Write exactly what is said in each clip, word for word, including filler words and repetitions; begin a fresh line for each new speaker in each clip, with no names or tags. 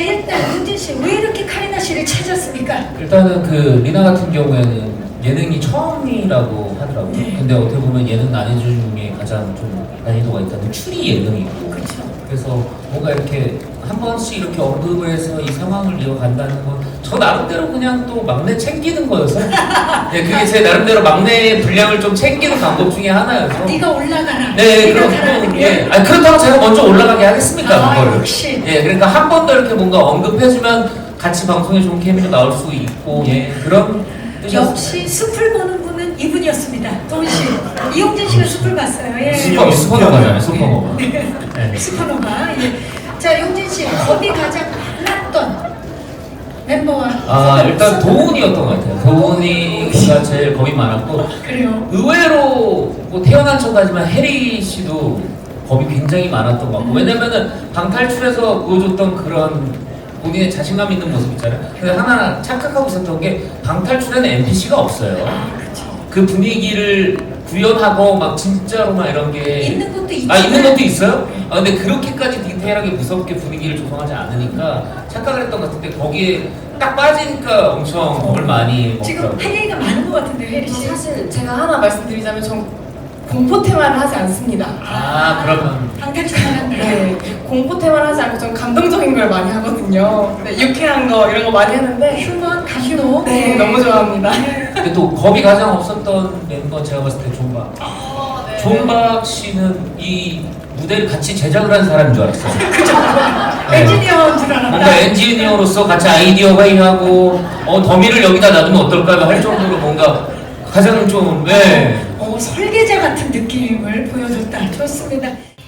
일단 은진 씨 왜 이렇게 카리나 씨를 찾았습니까?
일단은 그 리나 같은 경우에는 예능이 처음이라고 하더라고요.
네.
근데 어떻게 보면 예능 난이도 중에 가장 좀 난이도가 있다는 추리 예능이고.
그렇죠.
그래서 뭔가 이렇게 한 번씩 이렇게 언급을 해서 이 상황을 이어간다는 건 저 나름대로 그냥 또 막내 챙기는 거여서 네, 그게 제 나름대로 막내 분량을 좀 챙기는 방법 중에 하나여서
네가 올라가라.
네,
네가
그렇고,
가라는 게.
예. 아니, 그렇다고 제가 먼저 올라가게 하겠습니까,
아,
그거를.
역시.
예, 그러니까 한 번 더 이렇게 뭔가 언급해주면 같이 방송에 좋은 케미가 나올 수 있고, 예, 그런 뜻이었습니다.
역시 숲을 보는 분은 이분이었습니다. 도훈 씨. 이용진 씨가 숲을 봤어요. 예.
슈퍼, 슈퍼노바잖아요, 슈퍼노바. 네.
슈퍼노바. 예. 자, 용진 씨, 겁이 가장 많았던 멤버와.
아, 일단 도훈이었던 것 같아요. 도훈이가 제일 겁이 많았고,
그래요.
의외로 뭐 태어난 척하지만 해리 씨도 겁이 굉장히 많았던 것 같고, 왜냐면은 방탈출에서 보여줬던 그런 본인의 자신감 있는 모습 있잖아요. 근데 하나 착각하고 있었던 게 방탈출에는 엔피씨가 없어요.
아, 그렇죠.
그 분위기를 구현하고 막 진짜로 막 이런 게
있는 것도 있지만.
아 있는 것도 있어요? 아 근데 그렇게까지 디테일하게 무섭게 분위기를 조성하지 않으니까 착각을 했던 것 같은데 거기에 딱 빠지니까 엄청 겁을 많이
지금
먹더라고요.
할 얘기가 많은 것 같은데, 혜리
저
씨.
사실 제가 하나 말씀드리자면 전 공포 테마를 하지 않습니다.
아 그러면
방탈출만 한다.
네, 공포 테마를 하지 않고 전 감동적인 걸 많이 하거든요. 네, 유쾌한 거 이런 거 많이 하는데
휴먼, 감동.
네, 너무 좋아합니다.
근데 또 겁이 가장 없었던 멤버 제가 봤을 때 존박.
어, 네.
존박 씨는 이 무대를 같이 제작을 한 사람인 줄 알았어요. 네.
엔지니어인 줄 알았다.
뭔가 엔지니어로서 같이 아이디어 회의하고 어 더미를 여기다 놔두면 어떨까 할 정도로 뭔가 가장 좀 네.
어, 설계자 같은 느낌을 보여줬다. 좋습니다.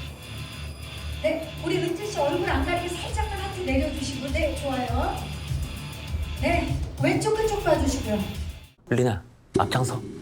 네, 우리 은진 씨 얼굴 안 가리게 살짝만 하트 내려주시고, 네, 좋아요. 네, 왼쪽 끝쪽 봐주시고요.
리나 앞장서.